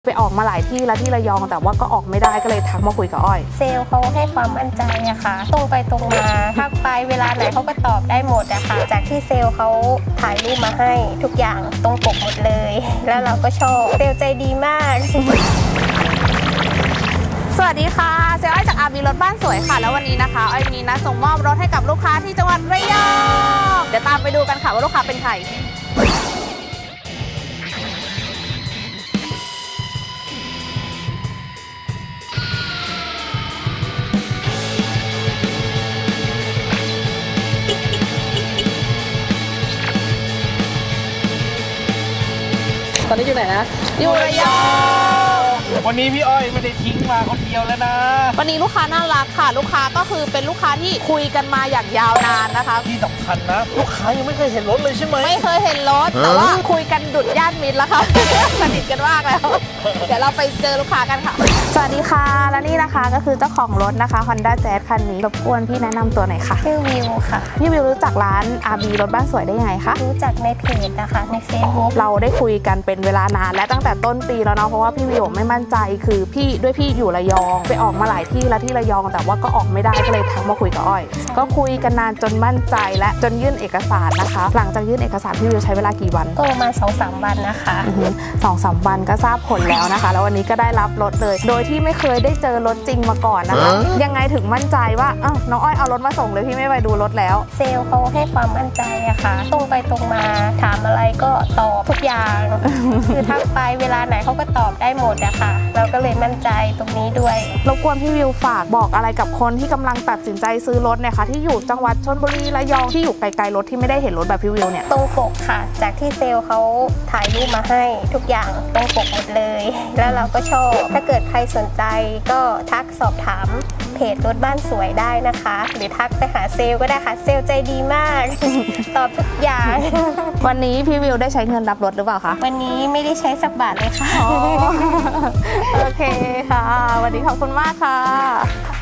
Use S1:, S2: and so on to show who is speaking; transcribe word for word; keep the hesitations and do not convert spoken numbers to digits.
S1: ไปออกมาหลายที่แล้วที่ระยองแต่ว่าก็ออกไม่ได้ก็เลยทักมาคุยกับอ้อย
S2: เซลล์เขาให้ความมั่นใจอะค่ะตรงไปตรงมาทักไปเวลาไหนเขาก็ตอบได้หมดอะค่ะจากที่เซลล์เขาถ่ายรูปมาให้ทุกอย่างตรงปกหมดเลยแล้วเราก็ชอบเซลล์ใจดีมาก
S1: สวัสดีค่ะเซลล์อ้อยจากอาร์บีรถบ้านสวยค่ะแล้ววันนี้นะคะอ้อยมีนัดส่งมอบรถให้กับลูกค้าที่จังหวัดระยองเดี๋ยวตามไปดูกันค่ะว่าลูกค้าเป็นใครตอนนี้อยู่ไหนนะอยู่ระยอง
S3: วันนี้พี่อ้อยไม่ได้ทิ้งมาคนเดียวแล้วนะ
S1: วันนี้ลูกค้าน่ารักค่ะลูกค้าก็คือเป็นลูกค้าที่คุยกันมาอย่างยาวนานนะคะ
S3: ที่สำคัญนะลูกค้ายังไม่เคยเห็นรถเลยใช่ไหม
S1: ไม่เคยเห็นรถแต่ว่าคุยกันดุดญาติมิตรแล้วค่ะสนิทกันมากแล้วเดี๋ยวเราไปเจอลูกค้ากันค่ะสวัสดีค่ะและนี่นะคะก็คือเจ้าของรถนะคะ Honda Jazz คันนี้รบกวนพี่แนะนำตัวหน่อยค่ะ
S2: ชื่อวิวค่ะ
S1: พี่วิวรู้จักร้าน อาร์ บี รถบ้านสวยได้ยังไงคะ
S2: รู้จักในเพจนะคะใน Facebook
S1: เราได้คุยกันเป็นเวลานานและตั้งแต่ต้นปีแล้วเนาะเพราะว่าพี่วิวไม่มั่นใจคือพี่ด้วยพี่อยู่ระยองไปออกมาหลายที่แล้วที่ระยองแต่ว่าก็ออกไม่ได้ก็เลยทักมาคุยกับอ้อยก็คุยกันนานจนมั่นใจและจนยื่นเอกสารนะคะหลังจากยื่นเอกสารพี่วิวใช้เวลากี่วัน
S2: ก็ประมาณ สองถึงสาม วันนะคะ
S1: สองสามวันก็ทราบผลแล้วนะคะแล้ววันนี้ก็ได้รับรถเลยโดยที่ไม่เคยได้เจอรถจริงมาก่อนนะคะยังไงถึงมั่นใจว่าอ้าวน้องอ้อยเอารถมาส่งเลยพี่ไม่ไปดูรถแล้ว
S2: เซลล์เขาให้ความมั่นใจอะค่ะตรงไปตรงมาถามอะไรก็ตอบทุกอย่างคือทักไปเวลาไหนเขาก็ตอบได้หมดอะค่ะเราก็เลยมั่นใจตรงนี้ด้วย
S1: รบกวนพี่วิวฝากบอกอะไรกับคนที่กำลังตัดสินใจซื้อรถเนี่ยค่ะที่อยู่จังหวัดชลบุรีระยองที่อยู่ไกลๆรถที่ไม่ได้เห็นรถแบบพี่วิวเนี่ย
S2: ตรงปกค่ะจากที่เซลล์เขาถ่ายรูปมาให้ทุกอย่างตรงปกหมดเลยแล้วเราก็ชอบถ้าเกิดใครสนใจก็ทักสอบถามเพจรถบ้านสวยได้นะคะหรือทักไปหาเซลล์ก็ได้ค่ะเซลล์ใจดีมากตอบทุกอย่าง
S1: วันนี้พี่วิวได้ใช้เงินรับรถหรือเปล่าคะ
S2: วันนี้ไม่ได้ใช้สักบาทเลยค่ะ
S1: โอเคค่ะวันนี้ขอบคุณมากค่ะ